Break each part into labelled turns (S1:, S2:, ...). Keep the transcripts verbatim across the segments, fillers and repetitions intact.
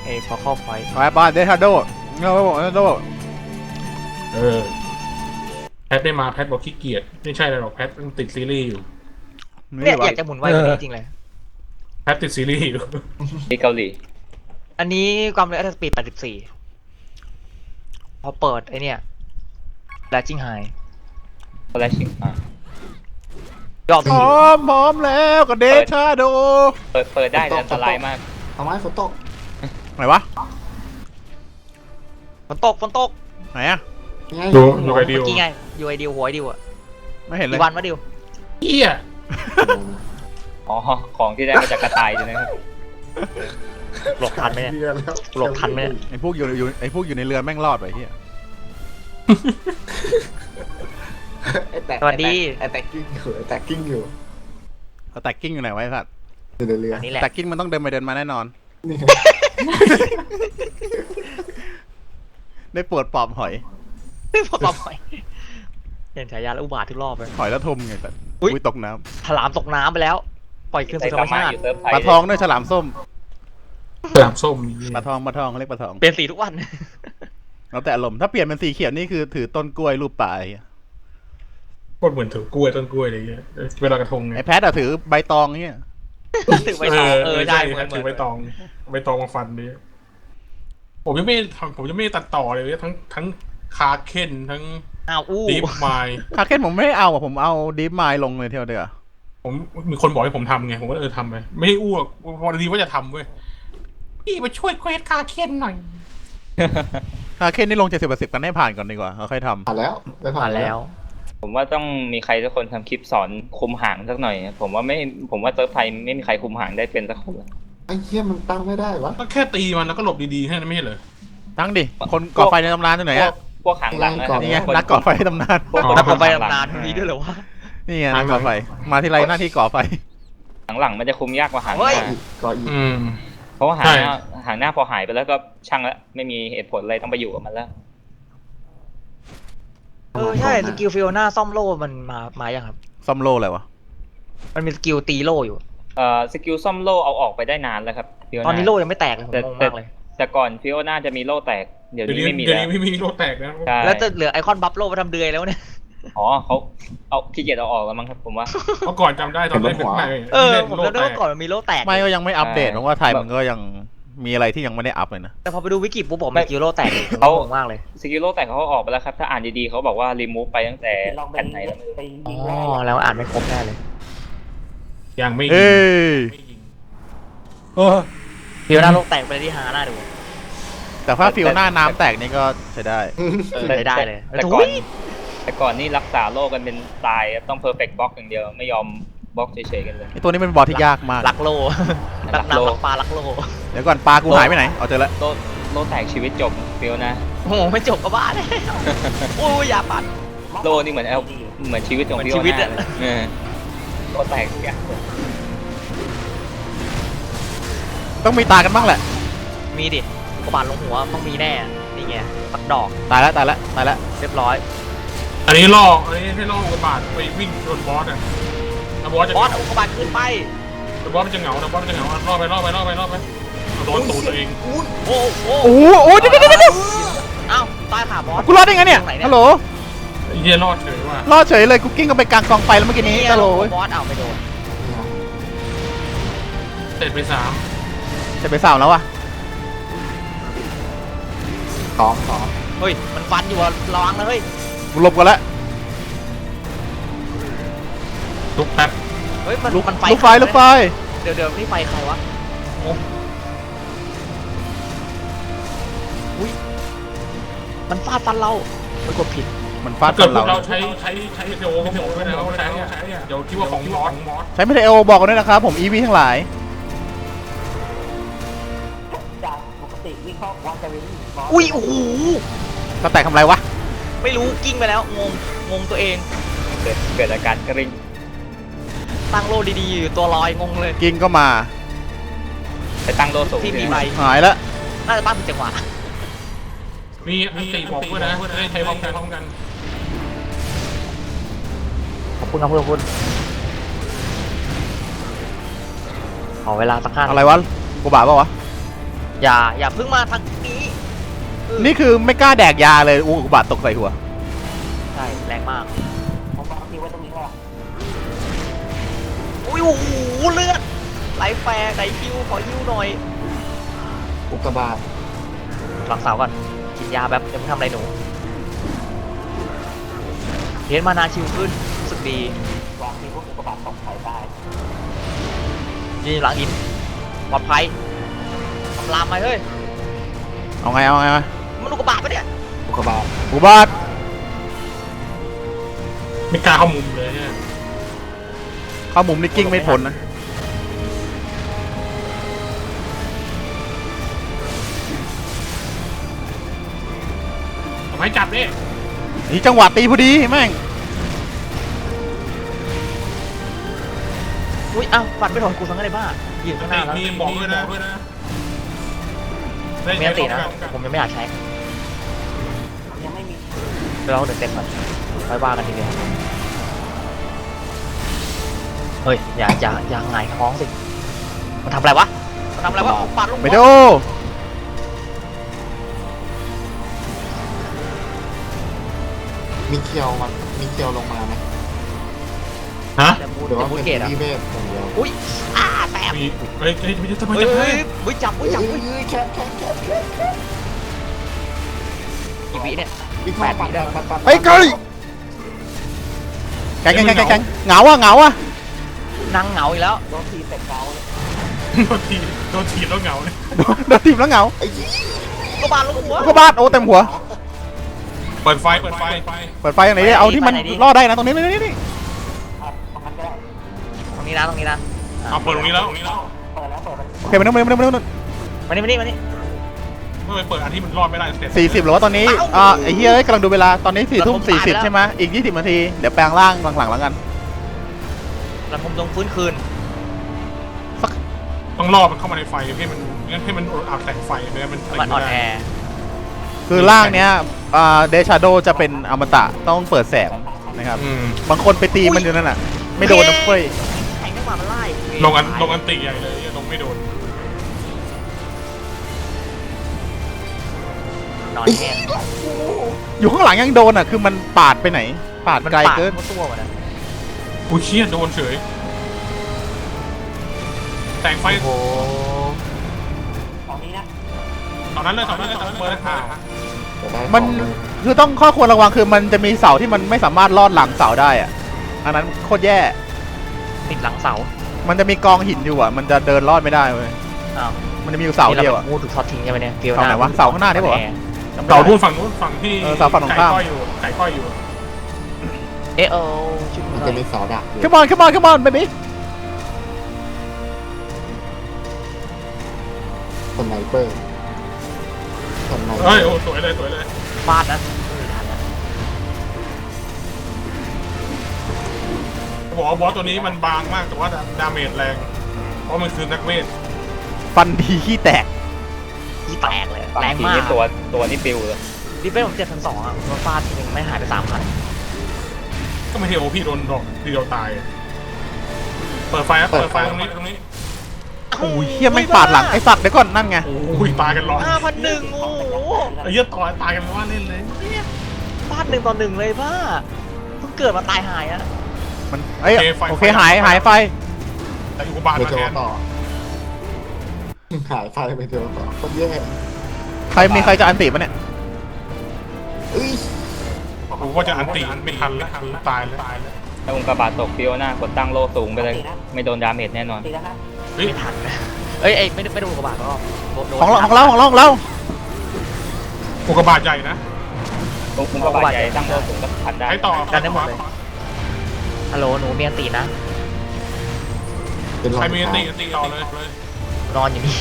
S1: อ้พอเข้าไฟ
S2: ไปบ้านเดทาโดเงาบอกเดทาโด
S3: เออแพทได้มาแพทบอกขี้เกียจไม่ใช่หรอกแพทมันติดซีรีส์อยู่
S1: เนี่ยอยากจะหมุนไวกว่านี้จริงเลย
S3: แพทติดซีรีส์อยู่
S4: ที่เกาหลี
S1: อันนี้ความเร็วสปีดแปดสิบสี่พอเปิดไอเนี่ยแลจิ้งไฮ
S4: ก็แลชิงม
S1: ยอม
S2: พร้อมพร้อมแล้วก็เดทาโด
S4: เปิดเปิดได้แต่อันตรายมาก
S5: ทำไมฝนตก
S2: ไหนวะ
S1: ฝนตกฝนตก
S2: ไหนอะ
S3: ดูดูไอเดียว
S1: เมื่อกี้ไงอยู่ไอเดียวหัวไอเดียวอะ
S2: ไม่เห็นเลย
S1: กี่วันวะเดียว
S3: เอี้ย
S4: อ๋อของที่ได้มาจากกระต่ายใช่ไหมครับ
S1: หลบทันไหมเนี่ยหลบทันไหม
S2: ไอพวกอยู่อยู่ไอพวกอยู่ในเรือแม่งรอดไปเฮีย
S1: สวัสดี
S5: ไอแตกกิ้งอยู่ไอแตกกิ้งอยู่
S2: เอาแตกกิ้งอยู่ไหนไว้สัตว์
S5: อยู่ในเรือ
S1: นี่แหละ
S2: แตกกิ้งมันต้องเดินไปเดินมาแน่นอนได้ปวดปอบหอย
S1: ไม่ปวดปอบหอยเห็นฉายาแล้วอุบาททุกรอบเลย
S2: หอยแล้วทมไงแต่อุ้ยตกน้
S1: ำฉลามตกน้ำไปแล้วปล่อยคืนสู่ธรรมชาติ
S2: ปลาทองด้วยฉลามส้ม
S3: ฉลามส้ม
S2: ปลาทองปลาทองเขาเรียกปลาทอง
S1: เปลี่ยนสีทุกวัน
S2: แล้วแต่อารมณ์ถ้าเปลี่ยนเป็นสีเขียวนี่คือถือต้นกล้วยรูปปลา
S3: โคตรเหมือนถือกล้วยต้นกล้วยอะไรเงี้ยเวลากระทงไง
S2: ไอแพทอะถือใบตองเงี้ย
S1: ถือใบตองเออได้
S3: ถือใบตองใบตองมาฟันดิผมยังไม่ผมยังไม่ตัดต่อเลยทั้งทั้งคาเคนทั้ง
S1: อ้าวอู้
S3: ดีฟไมล์
S2: คาเคนผมไม่เอาอะผมเอาดีฟไมล์ลงเลยเท่าเดียว
S3: ผมมีคนบอกให้ผมทำไงผมก็เออทำไปไม่ให้อ้วกพอดีว่าจะทำเว้ยพี่มาช่วยเควสคาเคนหน่อย
S2: คาเคนนี่ลงเจ็ดสิบเปอร์เซ็นต์กันให้ผ่านก่อนดีกว่าเขาค่อยทำ
S5: ผ่านแล้วได้ผ่านแล้ว
S4: ผมว่าต้องมีใครสักคนทำคลิปสอนคุมหางสักหน่อยผมว่าไม่ผมว่าเซิร์ฟไทยไม่มีใครคุมหางได้เป็นสักคน
S5: ไอ้เหี้ยมันตั้งไม่ได้วะ
S3: ก็แค่ตีมันแล้วก็หลบดีๆแค่นั้นไม่ใช่เหรอ
S2: ตั้งดิคนก่อไฟในตำนานที่ไหนอะ
S4: พวกหางหลังนะครับ
S2: นี่ไงนักก่อไฟในตำนาน
S1: นักก่อไฟตำนานมีด้วยเหรอวะ
S2: นี่ไงนักก่อไฟมาที่ไรหน้าที่ก่อไฟ
S4: หางหลังมันจะคุมยากกว่าหางหน้า
S5: ก่ออีก
S4: เพราะว่าหางหน้าหางหน้าพอหายไปแล้วก็ช่างแล้วไม่มีเหตุผลอะไรต้องไปอยู่กับมันแล้ว
S1: เออใช่สกิลฟิโอน่าซ่อมโล่มันมามายังครับ
S2: ซ่อมโล่อะไรวะ
S1: มันมีสกิลตีโล่อยู่
S4: เอ่อสกิลซ่อมโล่เอาออกไปได้นานแล้วครับ
S1: ตอนนี้โล่ยังไม่แตกเลยผมงงมากเลย
S4: แต่ก่อนฟิโอน่าจะมีโล่แตกเดี๋ยวนี้ไม่มีแล้ว
S3: ไม่มีโล่แตกแล้ว
S1: แล้วจะเหลือไอคอนบัฟโล่มาทำเดือยแล้วเนี่ย
S4: อ๋อเขาเอาขี้เกียจเอาออกแล้วมั้งครับผมว่า
S3: เมื่อก่อนจำได้ตอนเล่น
S1: หัวเออผมจำได้ว่าก่อนมันมีโล่แตก
S2: ไม่ก็ยังไม่อัปเดตเพราะว่าไทยมันก็ยังมีอะไรที่ยังไม่ได้อัพเลยนะ
S1: แต่พอไปดูวิกิปุ๊บผมมีสกิลโล่แตกเขางงมากเลย
S4: สกิลโล่แตกเขาออกไปแล้วครับถ้าอ่านดีๆเขาบอกว่ารีมูฟไปตั้งแต่แผ่นไหนแล้ว
S1: อ๋อแล้วอ่านไม่ครบแน่เลย
S3: ยังไม่
S2: ยิง
S1: ฟิโอน่าโล่แตกไปที่หาหน้าดู
S2: แต่ถ้าฟิโอน่าน้ำแตกนี่ก็ใช้ได้
S1: ใช้ได้เลย
S4: แต่ก่อนแต่ก่อนนี่รักษาโล่กันเป็นตายต้องเพอร์เฟกต์บล็อกอย่างเดียวไม่ยอมบล็อกเฉยๆกันเลย
S2: ไอตัวนี้เป็นบอลที่ยากมาก
S1: ลักโล่ลักน้ำลักปลาลักโล่
S2: เดี๋ยวก่อนปลากูหายไปไหนเอาเจอแล้ว
S4: โล่โล่แตกชีวิตจบฟิโอน่า
S1: โอ้โหไม่จบก็บ้าเลยโอ้ยอย่าปัด
S4: โล่นี่เหมือนเอลเหมือนชีวิตของฟิโอน่าโล่แตกอย่าง
S2: ต้องมีตากันบ้างแหละ
S1: มีดิกระบาดลงหัวต้องมีแน่นี่ไงปักดอก
S2: ตายแล้วตายแล้วตายแล้ว
S1: เรียบร้อย
S3: อันนี้ล่ออันนี้ให้ล่อกระบาดไปวิ่งโดนบอสอ่ะบอสจะ
S1: บอสเอากระบาดขึ้นไป
S3: บอสมันจะเหงานะบอสมันจะเหงาล่อไปล่อไปล่อไปล่อไปโดนตูดตัวเอง
S1: โอ้โหโอ้
S2: โหเดี๋ยวเดี๋ยวเดี๋ยว
S1: อ้าวตายขาบอส
S2: กูรอดได้ไงเนี่ยฮัลโหล
S3: เฮียรอดเฉยว่ะ
S2: รอดเฉยเลยกูกิ้งกันไปกลางกองไฟแล้วเมื่อกี้นี้ฮัลโหล
S1: บอสเอาไปโดน
S3: เสร็จไปสาม
S2: เสร็จไปสามแล้ววะ
S5: สองสอง
S1: เฮ้ยมันฟันอยู่อะระวังนะเฮ้ย
S2: กูหลบกันแล้ว
S3: ลุกแป๊บ
S1: เฮ้ยมันมันไฟ
S2: ลุกไฟลุกไฟ
S1: เดี๋ยวเดี๋ยวนี่ไฟใครวะงงอุ้ยมันฟาดฟันเราไม่กดผิด
S2: มันฟาด
S3: ฟันเราเราใช้ใช้ใช้เดโอไม่โดนด้วยนะใช้ใช้เดี๋ยวคิดว่าของมอส
S2: ใช้ไม่ได้เอโอบอกกันด้วยนะครับผมอีวีทั้งหลาย
S1: อุ้ยโอ้โห
S2: ก็แตกทำไรวะ
S1: ไม่รู้กิ้งไปแล้วงงงงตัวเอง
S4: เกิดเกิดอาการกริ้ง
S1: ตั้งโลดีๆอยู่ตัวลอยงงเลย
S2: กิ้งก็มา
S4: ไปตั้งโลสูง
S1: ที่มีใบ
S2: หายแล้ว
S1: น่าจะบ้านเป็นจังหวะ
S3: มีอันตีบอกด้วยนะได้ใช้พร้อมกันพร้อมกัน
S1: ขอบคุณครับเพื่อนคุณขอเวลาสักห้า
S2: อะไรวะกูบ้าเปล่าวะ
S1: อย่าอย่าเพิ่งมาทางนี้เออ
S2: นี่คือไม่กล้าแดกยาเลยอุกกาบาตตกใส่หัว
S1: ใช่แรงมากผมวางทีไว้ตรงนี้ก่อนอุ้ยโอ้โหเลือดไหลแฟร์ไหลคิวขอฮิวหน่อย
S5: อุกกาบาต
S1: หลังเสาก่อนกินยาแบบจะไม่ทำอะไรหนูเห็นมานาชิวขึ้นรู้สึกดีวางทีพวกอุกกาบาตตกใส่ได้ยืนหลังอินปลอดภัยทำลามไปเฮ้ย
S2: เอาไงเอาไงเอาไง
S1: มันอุกกาบาตปะเนี่ย
S5: อุกกาบาต
S2: อุกกาบาต
S3: ไม่กล้าเข้ามุมเลยเนี่ย
S2: เข้ามุมนี่กิ้งไม่พ้นนะ
S3: ทำไมจับดิ
S2: นี่จังหวะตีพอดีแม่ง
S1: อุ้ยอ้าวฟันไม่โดนกูสังอะไรบ้ายืนข้างหน้าแล้ว
S3: มีบอกด้วยนะด้วยนะ
S1: ไม่อันตินะผมยังไม่อยากใช้ยังไม่มีไปลองหนึ่งเต็มก่อนค่อยว่ากันทีเดียวเฮ้ยอย่าอย่าอย่าหงายท้องสิมันทำอะไรวะมันทำอะไรวะปาดลง
S2: ไปโด
S5: มีเคียวมันมีเคียวลงมาไหม
S3: ฮะ
S1: แต่บู
S5: หรือ
S1: แต่
S5: ว่า
S1: บู
S5: เป็น
S1: เกตอ่ะ
S5: ที่เวทอย่างเดียว
S1: อุ้ยอ้าแตก
S3: มีเฮ้ยเฮ้ยทำไม
S1: เฮ้ย
S3: จะ
S1: เฮ้
S3: ให้
S1: ยเฮ้ยจับเฮ้ยจับ
S5: เฮ้
S1: เฮ้
S5: ย
S1: ยจับ
S5: เฮ้
S1: เฮ้ย
S5: ยแคบแคบแคบแคบ
S1: กี่วิเนี่ย
S5: อีกแปดวิได้ปัดปัด
S2: เฮ้ยเกยแกงแกงแกงแกงแกงเหงาอ่ะเหงาอ่ะ
S1: นั่งเหงาอีกแล้วโดนทีเตะเกาเลย
S3: โดนทีโดนทีแล้วเหงาเลย
S2: โดนทีมแล้วเหงา
S5: ไอ้ยี่
S1: ก็บาดลงหัว
S2: อุกกาบาตโอ้เต็มหัว
S3: เปิดไฟเปิดไฟ
S2: เปิดไฟอย่างไหนดิเอาที่มันรอดได้นะตรงนี้นี่นี่
S1: ตรงนี้นะตรงนี้นะ
S3: เอาเปิดตรงนี้แล้วตรงนี้แล้ว
S2: โอเคมานู่นมานู่นมานู่น
S1: มานี่มานี่มานี่
S3: เมื่อไปเปิดอันที่มันรอดไม่ได้เสร็จ
S2: สี่สิบหรือว่าตอนนี้อ่าไอ้เฮียเอ้ยกำลังดูเวลาตอนนี้สี่ทุ่มสี่สิบใช่ไหมอีกยี่สิบนาทีเดี๋ยวแปลงร่างหลังๆแล้วกัน
S1: แล้วผมต้องฟื้นคืน
S3: ต้องรอมันเข้ามาในไฟให้มันงั้นให้มันอาบแสงไฟไม่งั้นมัน
S1: มันอ่อนแอ
S2: คือร่างเนี้ยอ่าเดชาโดจะเป็นอมตะต้องเปิดแสงนะครับ
S3: อืม
S2: บางคนไปตีมันอยู่นั่นน่ะไม่โดนนะเฟ้ย
S1: แข่งได้กว่ามันไล่
S3: ลงอันลงอันติใหญ่เลยลงไม่โดน
S1: นอนแห้ง
S2: อยู่ข้างหลังยังโดนอ่ะคือมันปาดไปไหน ปาดไกลเกิน
S1: มันตัวมันนะ
S3: อุ้ยเชี่ยโดนเฉยแสงไฟ
S1: โอ้โห
S3: ตอนนั้นเลยตอนนั้นเลยตอนนั้นเปิดข่าว
S5: จะได้
S2: มัน
S5: ของเลย
S2: คือต้องข้อควรระวังคือมันจะมีเสาที่มันไม่สามารถลอดหลังเสาได้อ่ะอันนั้นโคตรแย่
S1: ติดหลังเสา มัน
S2: มันจะมีกองหินอยู่อ่ะมันจะเดินลอดไม่ได้เว้ย
S1: อ้าว
S2: มันจะมีอยู่เสาเดียวอ่ะ
S1: งูถูกช็อตทิ้งใช่ไหมเนี่ยเกลียว
S2: เสาไหนวะเสาข้างหน้าได้ปะวะ จำไม่
S3: เสา
S2: ได้
S3: ทุ่นฝั่งนู้นฝั่งที่
S2: เออเสาฝั่งตรงข้าม
S3: ไก่ก้อยอยู่ไก่ก้อยอยู่
S1: เอะเออชุด
S5: มัน
S1: หน่
S5: จะ
S1: อย
S5: มีเสาดักอยู่
S2: come on come on come on baby
S5: สไนเปอร์สไนเปอ
S3: เฮ้ย
S5: ร์
S3: โอ้สวยเลยสวยเลย
S1: ฟาดนะไม่ทันนะ
S3: บอกว่าบอสตัวนี้มันบางมากแต่ว่าดาเมจแรงเพราะมันคือนักเวท
S2: ฟันดีขี้แตก
S1: ที่แตกเลย
S4: บาง
S1: แรง
S4: ที
S1: มาก
S4: นี่ตัวตัวนี่ปิวเลย
S1: ดิเป้ผมเจ็ดพันสองอ่ะมันฟาดทีนึงไม่หายไปสามพัน
S3: ก็ไม่ใช่โอพี่โดนดอกทีเดียวตาย เปิดไฟนะเปิดไฟตรงนี้ตรงนี้
S2: โอ้ยเฮียไม่งปาดหลังไอ้สัตว์เดี๋ยวก่อนนั่นไง
S3: โอ้ยตายกันร้อน
S1: ห้าพันหนึ่งโอ้โห
S3: ไอ้เหี้ยต่อยตายกันไม่ว่าเล่นเลย
S1: ฟาดหนึ่งต่อหนึ่งเลยป้าเพิ่งเกิดมาตายหายอ่ะ
S2: มันเอ้ยโอเคหายหายไฟ
S3: แต่อุกกาบาต
S5: ไป
S3: มา
S5: เจ
S3: แท
S5: อน ต่อหายไฟไปเจอต่อคนแย่
S2: ใครมีใครจะอันติปะเนี่ย
S5: เอ้ย
S3: กูก็จะอันติไม่ทันแล้วตายแล้วตายแล้ว
S4: ถ้าองค์กาบาตตกฟิโอน่ากดตั้งโล่สูงไปเลย ไม่โดนดาเมจแน่นอน
S3: เฮ้ย
S1: ไม่ทันนะเอ้ยเอ้ยไม่ได้ไม่ได้ดูกระบาดก็โดน
S2: ของเราของเราของเราของเรา
S3: อุกกาบาตใหญ่นะ
S4: องค์กาบาตใหญ่ตั้งโล่สูงก็พันได้
S3: ให้ต่อ
S1: ฮัลโหลหนูมีอันตีนะ
S5: เป็นรอ
S3: ใคร
S5: ย
S3: มีอัน
S5: เท้า
S3: ติอันติต่อเลยเลย
S1: นอนอยู่นี่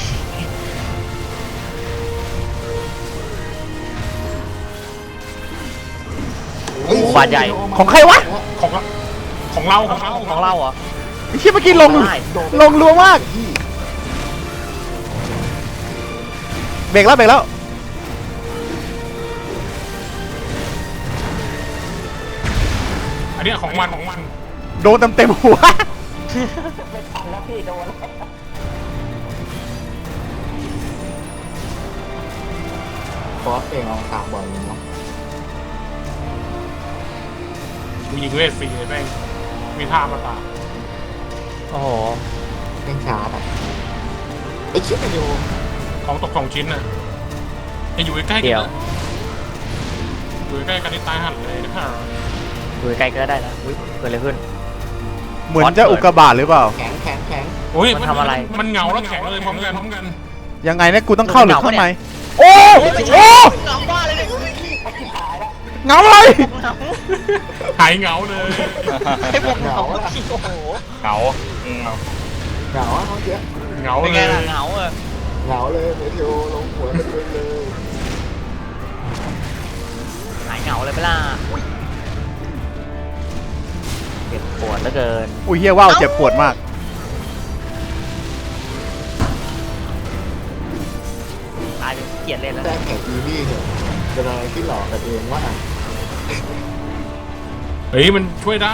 S5: เฮ้ย
S1: บาดใหญ่
S2: ของใครวะ
S3: ของเราของเราของเรา
S1: ของเราเหรอ
S2: ไอ้เชี่ยเมื่อกี้ลง
S1: ได้
S2: ลงรัวมากเบรกแล้วเบรกแล้ว
S3: อันนี้ของมันของมัน
S2: โดนเต็มเต็มหัว
S3: อ
S5: ฟอสเองเอาถามบ่อยเลยเนาะ
S3: กูยิงเวทฟรีเลยแม่งมีท่ามาตา
S1: โอ้โห
S5: เร่งช้าอ่ะไอ้ชิบไปอยู่
S3: ของตกสองชิ้นน่ะจะอยู่ใกล้ๆกัน
S1: เดี๋ยว
S3: นะอยู่ใกล้กันนี่ตายหันเลยนะครับ
S1: ดูไกลก็ได้นะอุ้ยเกิดอะไรขึ้น
S2: เหมือนจะอุกกาบาตหรือเปล่า
S5: แข็งแข็งแข็ง
S3: โอ้ย
S1: มันทำอะไร
S3: มันเหงาแล้วแข็งเลยพร้อมกันพร้อมกัน
S2: ยังไงเนี่ยกูต้องเข้าหรือข้างใน
S1: โอ้
S2: โอ้
S1: ไม่
S2: โอ้
S1: ใช่เหงาบ้าเลยเนี่ย
S2: เหงาเลย
S1: เหงา
S3: หายเหงาเลย
S1: ให้ผมเหงาจริงโอ้โห
S4: เหงาอืม
S5: เหงาอ่ะเมื่อกี้
S3: เหงา
S1: เป็น
S3: เล
S1: ไง
S3: ย
S1: ล่ะเหงาเออ
S5: เหงาเลยเมทิโอลงหัวเต็มเลย
S1: หายเหงาเลยไปล่ะอุ้ยเจ็บปวดเหลือเกิน
S2: อุ้ยเฮียว่าวเจ็บปวดมาก
S1: ตายเป็นเกลียดเล่นแล้ว
S5: แต่แข่งอีวี่เนี่ยเป็นอะไรที่หลอกกันเองว่า
S3: เฮ้ยมันช่วยได้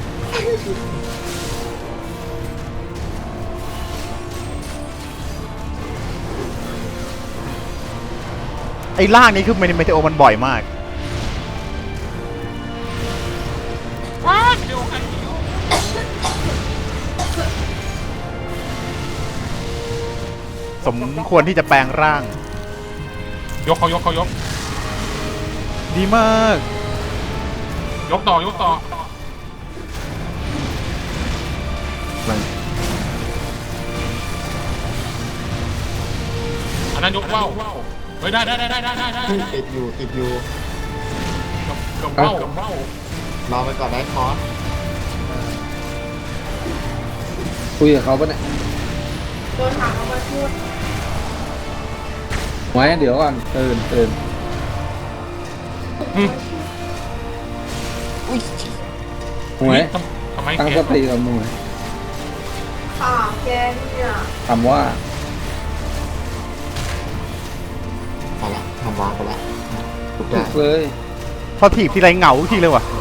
S2: ไอ้ล่างนี้คือเมเมเทโอมันบ่อยมาก
S3: ว้าเดี๋ยวกันเดี๋ยว
S2: สมควรที่จะแปลงร่าง
S3: ยกเขายกเขายก
S2: ดีมาก
S3: ยกต่อยกต่อ
S5: มัน
S3: อันนั้นยกว่าวเฮ้ยได้ได้ได้ได้ได้ได้ได้
S5: ติดอยู่ติดอยู่
S3: กับว่าวกับว่าว
S5: รอไปก่อนได้คอร์ส
S6: คุยกับเขาปะเนี่ยโดนถามเขามาพูดไว้เดี๋ยวก่อนตื่นตื่น
S5: อุ้ย
S6: หวย
S3: ทำทำไม
S6: ตั้ง
S3: แก
S6: สติกับหน่วย
S7: ค่ะแกเนี่ย
S6: คำว่า
S5: ไปละทำวางไปละถูก
S6: ถู
S5: ได้
S6: กเลย
S2: พอถีบทีไรเหงาทุกทีเลยว่ะ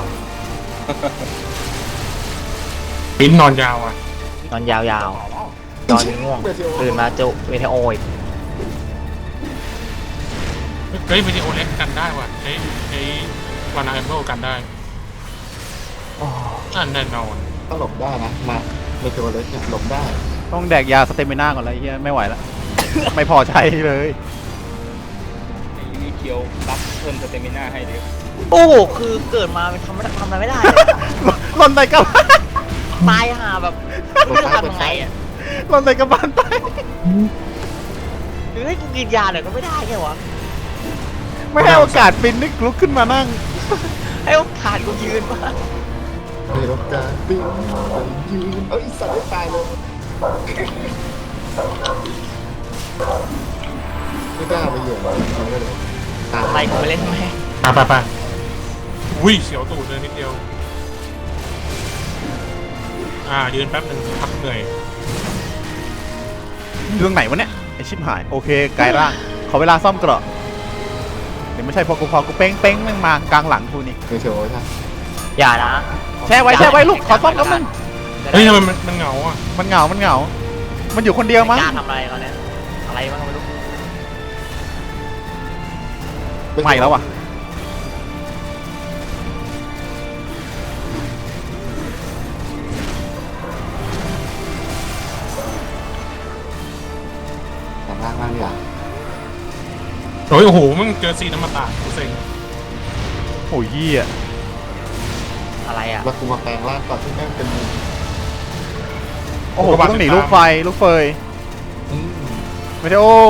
S3: ปิ้นนอนยาวอ่ะ
S1: นอนยาวๆนอนง่วง
S5: เมทิโอ
S1: ตื่นมาจุเวทโออีก
S3: เฮ้ยวิดีโอเล็กกันได้ว่ะใช้ใช้วานาเอมเบิลกันได้อันแน่นอน
S5: ก็หลบได้นะมาเมทิโอเล็กเนี่ยหลบได้
S2: ต้องแดกยาสเตมิน่าก่อนเลยเฮียไม่ไหวละ ไม่พอใช้เลย
S4: มีเคียวรับเพิ่มสเตมิน่าให้ดิ
S1: โอ้โหคือเกิดมาเป็นทำไม่ได้ทำอะไรไม่ได้เลย
S2: ลนไตกระบาล
S1: ตายห่าแบบไม่รู้จะทำยังไงอ่ะ
S2: ลนไตกระบาลตาย
S1: หรือให้กูกินยาหน่อยก็ไม่ได้ไงวะ
S2: ไม่ให้โอกาสปินนึกลุกขึ้นมานั่ง
S1: ให้โอกาสกูยืนมา
S5: มีโอกาสปิ้งไปยืนเอ้ยสัตว์ไม่ตายเลยไม่กล้าไปเหยียบจริงๆเลยตาย
S1: ไปกูไปเล่นแม่ง
S3: ไปไปไปอุ้ยเสียวตูดเลยนิดเดียว อ่ายืนแป๊บหนึ่งพักเหนื่อย
S2: อยู่ตรงไหนวะเนี่ยไอชิบหายโอเคกลายร่าง ขอเวลาซ่อมเกราะเดี๋ยวไม่ใช่พอกูพอกูเป้งเป้งแม่งมากลางหลังกูนี่
S5: เมทิโอใช่
S1: อย่านะ
S2: แช่ไว้แช่ไว้ลูกขอซ่อมกับมึง
S3: เฮ้ยทำไมมันมันเหงาอ่ะ
S2: มันเหงา มันเหงา มันอยู่คนเดียวมั้ง
S1: กล้าทำอะไรเขาเนี่ยอะไรบ้างก็ไม่รู้
S2: ใหม่แล้วอ่ะ
S5: แต่ร่างร่างอย่าง
S3: โอ้ยโอ้โหมึงเจอซีน้ำมันตาเซ็ง
S2: โอ้ยเหี้ย
S1: อะไรอ่ะ
S5: แล้วกูมาแปลงร่างก่อนที่แม่งเป็น
S2: โอ้โหกูต้องหนีลูกไฟ ลูกเฟย
S5: อืม
S2: ไม่ใช่โอ้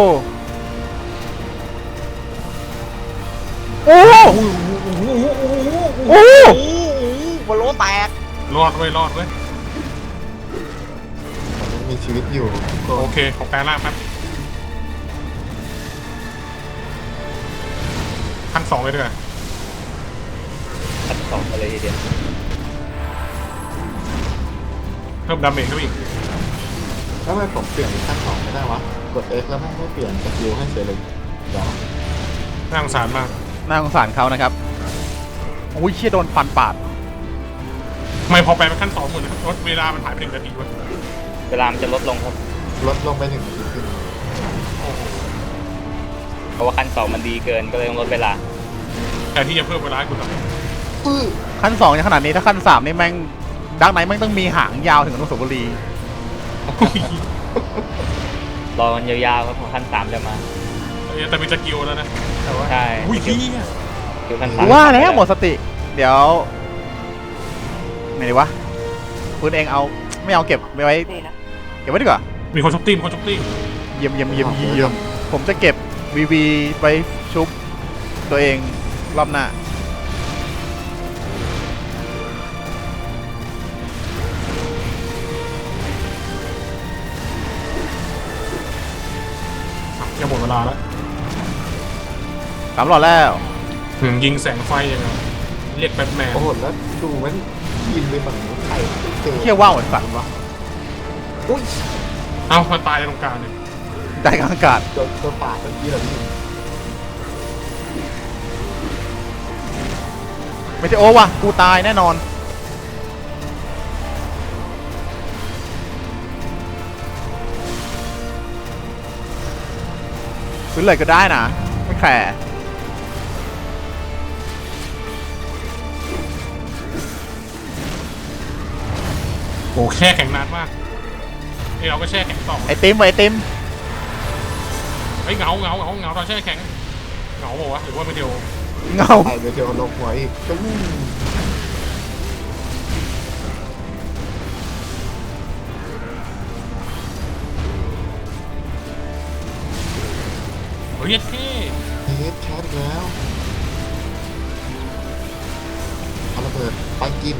S2: โอ้โอ้โอ้
S1: โอ้โหบอลโลแตก
S3: รอดเว้ยรอดเว้ย
S5: มันยังมีชีวิตอยู่ก็
S3: โอเคขอแปลร่างแป๊บขั้นสองเลยดีกว่า
S4: ขั้นสองไปเลยทีเดียว
S3: เพิ่มดาเมจเข้าไปอีก
S5: แล้วทำไมผมเปลี่ยนเป็นขั้นสองไม่ได้วะ กด X แล้วแม่งไม่เปลี่ยนสกิลให้เฉยเลยเดี๋ยว
S3: น่าสงสารมาก
S2: น่าสงสารเขานะครับโอ้ยเชี่ยโดนฟันปาด
S3: ทำไมพอแปลเป็นขั้นสองหมดเลยรถเวลามันหายไปหนึ่งนาทีวะ
S4: เวลามันจะลดลงครับ
S5: ลดลงไปหนึ่งนาทีครึ่ง
S3: โอ้โห
S4: ราะว่าขั้นสองมันดีเกินก็เลยต้องลดเวลา
S3: แทนที่จะเพิ่มเวลาให้คุณหน่อย
S2: ขั้นสองยังขนาดนี้ถ้าขั้นสามนี่แม่งดักไหนแม่งต้องมีหางยาวถึงอนุสาวรีย์
S4: รอมันยาวๆครับพอขั้นสามจะมา
S3: เออแต่มีสกิลแล้วนะแต่ว่า
S4: ใช่
S3: อุ้ยพี่
S4: คือขั้นสา
S2: กู
S4: ม
S2: ว่าแล้วหมดสติ เดี๋ยวไหนดีวะคุณเองเอาไม่เอาเก็บไว้เก็บไว้ดีกว่า
S3: มีคนช็อปตี้มีคนช็อปตี้
S2: เยี่ยมเยี่ยมเยี่ยมเยี่ยมผมจะเก็บวีวีไปชุบตัวเองรอบหน้า
S3: จะหมดเวลาแล้ว
S2: สามหลอดแล้ว
S3: ถึงยิงแสงไฟยังไงเรียกแบทแมน
S5: โอ้โหแล้วดูแม่งยิงไปฝั่งนู้นใครเจอ
S2: เที่ยวว่าวเหมือนสัตว์
S5: วะอุ้ย
S3: เอ้ามาตายในตรงกลางเนี่ย
S2: ใจกลางอากาศ
S5: โดนตัวปาดเมื่อกี้เหรอพี่
S2: ไม่ใช่โอ้วะกูตายแน่นอนซื้อเลยก็ได้นะไม่แคร์
S3: โอ้แช่แข็งนานมากไอเราก็แช่แข็งต่อ
S2: ไอติมไอติม
S3: ไอยเหงาเหงาเหงาเหงาตอนแช่แข็งเหงาบอกวะหรือว่าไม่เดียว
S2: เงา
S5: ไปเดี๋ยวเจอลงหัวอีกตึ้ง
S3: เฮ้ยเท่
S5: เฮดแคทแล้วเอาระเบิดไปกิน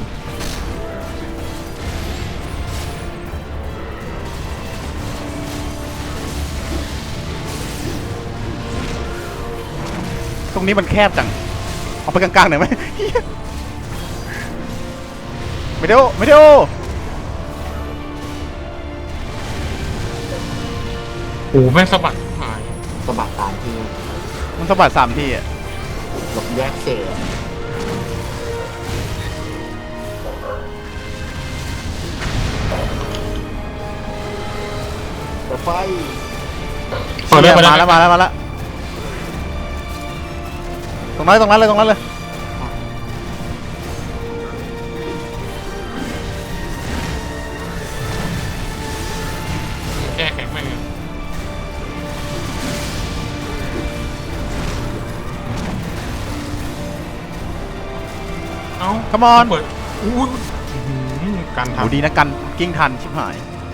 S2: ตรงนี้มันแคบจังเอาไปกลางๆหน่อยไหม ไม่ได้โอไม่ได้โอ
S3: โอ้แม่งสะบัดหาย
S5: สะบัดตามที่
S2: มันสะบัดสามทีอ่ะ
S5: หลบแยกเศษแต่ไฟ
S3: เปิดเลยเปิด
S2: มา
S3: เล
S2: แล้ว
S3: ย
S2: มาแล้วมาแล้วตรงนั้นตรงนั้นเลยตรงนั้นเลย
S3: แช่แข็งแม่งเลยเอ้า
S2: คัมอน
S3: เปิดอู้ยอื้อหือการ
S2: โห
S3: ทำ
S2: ดีนะกันกิ้งทันชิบหาย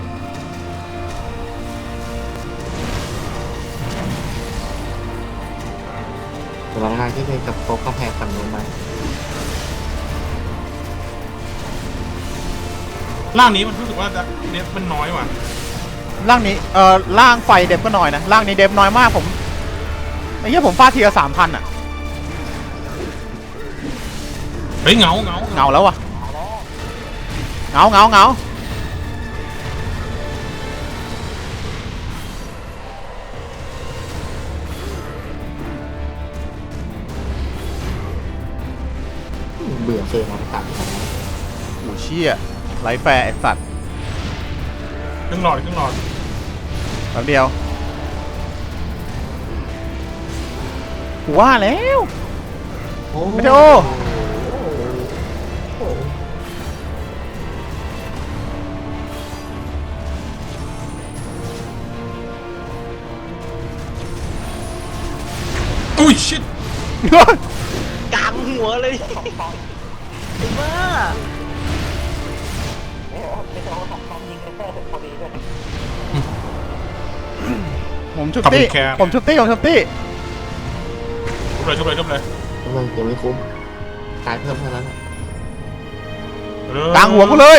S5: เวลางานที่เคยกับโต๊ะกาแฟฝั่งนู้นไหม
S3: ร่างนี้มันรู้สึกว่าเน็ตมันน้อยว่ะ
S2: ร่างนี้เอ่อร่างไฟเดฟก็น้อยนะร่างนี้เดฟน้อยมากผมไอ้เหี้ยผมฟาดทีละสามพันอ่ะ
S3: เฮ้ยเหงาเหงา
S2: เงาแล้ววะเงาเงาเงา
S5: เบื่อเฟรมมันตัดไป
S2: โอ้เชี่ยไรแฟร์ไอสัตว์
S3: เครื่องหลอดเครื่องหลอด
S2: แป๊บเดียวกูว่าแล้ว ไม่ได้โอ
S3: อุ้ยชิต
S1: กลางหัวเลยไอ้บ้า
S2: ผมชุบตี้ผมชุบตี้ผมชุบตี้
S3: ชุบเลยชุบเลยชุบเลย
S5: ทำไมยังไม่คุ้มตายเพิ่มเท่านั้น
S3: เออก
S2: ลางหัวกูเลย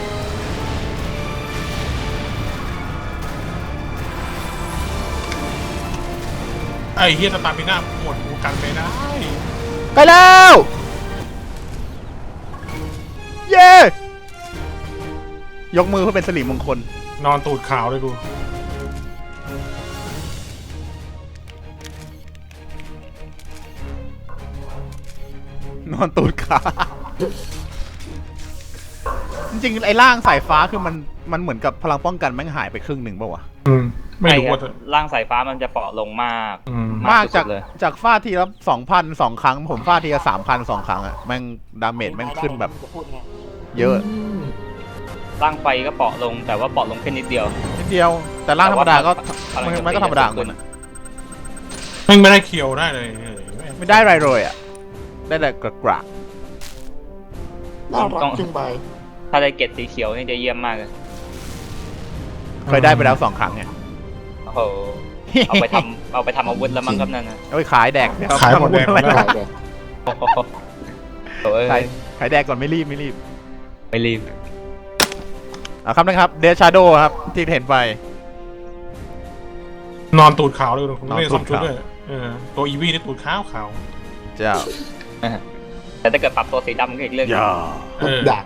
S3: ไอ้เฮียสตาร์มิน่าหมดกูกันไม่ได้
S2: ใกล้แล้วเย้ยกมือเพื่อเป็นสิริมงคล
S3: นอนตูดขาวเลยกู
S2: นอนตูดขาจริงๆไอ้ร่างสายฟ้าคือมันมันเหมือนกับพลังป้องกันแม่งหายไปครึ่งหนึ่งป่าวะ
S3: อืมไม่รู้
S4: ใช่ค
S3: ว่า
S4: รับร่างสายฟ้ามันจะเปราะลงมาก
S3: อืม
S2: มากจาก
S4: สุดๆเลย
S2: จากฟาดทีละสองพันสองครั้ง ผมฟาดทีละสามพันสองครั้งอะแม่งดาเมจแม่งขึ้นแบบ เยอะ
S5: ม
S4: ร่างไฟก็เปราะลงแต่ว่าเปราะลงแค่นิดเดียว
S2: นิดเดียว แต่ร่างธรรมดาก็
S4: พลัง
S2: มันก็ธรรมดาของมันอะ
S3: ไม่ไม่ได้เคียวได้เลยเออ
S2: ไม่ได้อะไรเลยอะได้แต่กระกระ
S5: น่ารักจึงใบ
S4: ถ้าได้เกรดสีเขียวนี่จะเยี่ยมมากเลย
S2: เคยได้ไปแล้วสองครั้งไง
S4: โอ้โหเอาไปทำเอาไปทำอาวุธแล้วมั้งครับนั่นนะ
S2: เอาไปขายแดก
S3: ขายหมดแดง
S2: อะไร
S3: แล้ว
S5: ได้เลย
S4: โอ้โหโอ้ย
S2: ขายขายแดกก่อนไม่รีบไม่รีบ
S4: ไม่รีบ
S2: เอาครับนะครับเดชชาโดครับ ที่เห็นไป
S3: นอนตูดขาวเลยคุณ
S2: นอน
S3: ไม่ได้
S2: ตู
S3: ซ่อ
S2: ด
S3: มชุด
S2: ขาว
S3: ด้วยเออตัวอีวีนี่ตูดขาวขาว
S2: เจ้า
S4: แต่ถ้าเกิดปรับตัวสีดำก็อีกเรื่องหนึ่ง
S2: อย่า
S3: เออ
S5: ด่า